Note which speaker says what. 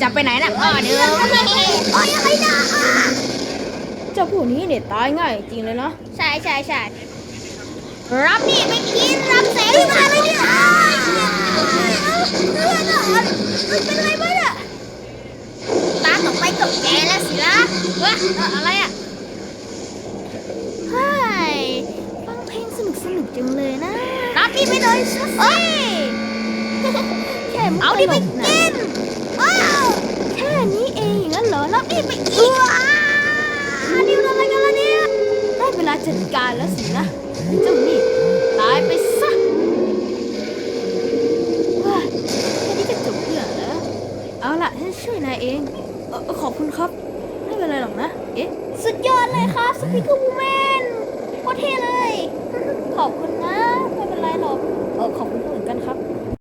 Speaker 1: จะไปไหนน่ะเดี๋ยว
Speaker 2: โอ้ยอะไรนะ
Speaker 1: เจ้าพวกนี้เนี่ยตายง่ายจริงเลยเนาะ
Speaker 2: ใช่รับนี่ไปกินรับเสรีมาเลยเนี่ยเลือดอ่ะเป็นไรบ้างอ่ะตาต่อไปกับแกแล้วสิล่ะอะไรอ่ะเฮ้ยฟังเพลงสนุกจังเลยนะรับนี่ไปเลยสิแค่เอาดิไปกินแค่นี้เองงั้นเหรอรับนี่ไปกินนี่มันอะไรกันล่ะเนี่ยได้เวลาจัดการแล้วสินะเจ้านี่ตายไปซะว้าแค่นี้จะจบเรื่องแล้วเอาล่ะฉันช่วยนายเองขอบคุณครับไม่เป็นไรหรอกนะสุดยอดเลยครับสปีกเกอร์วูแมนโคตรเท่เลยขอบคุณนะไม่เป็นไรหรอกขอบคุณ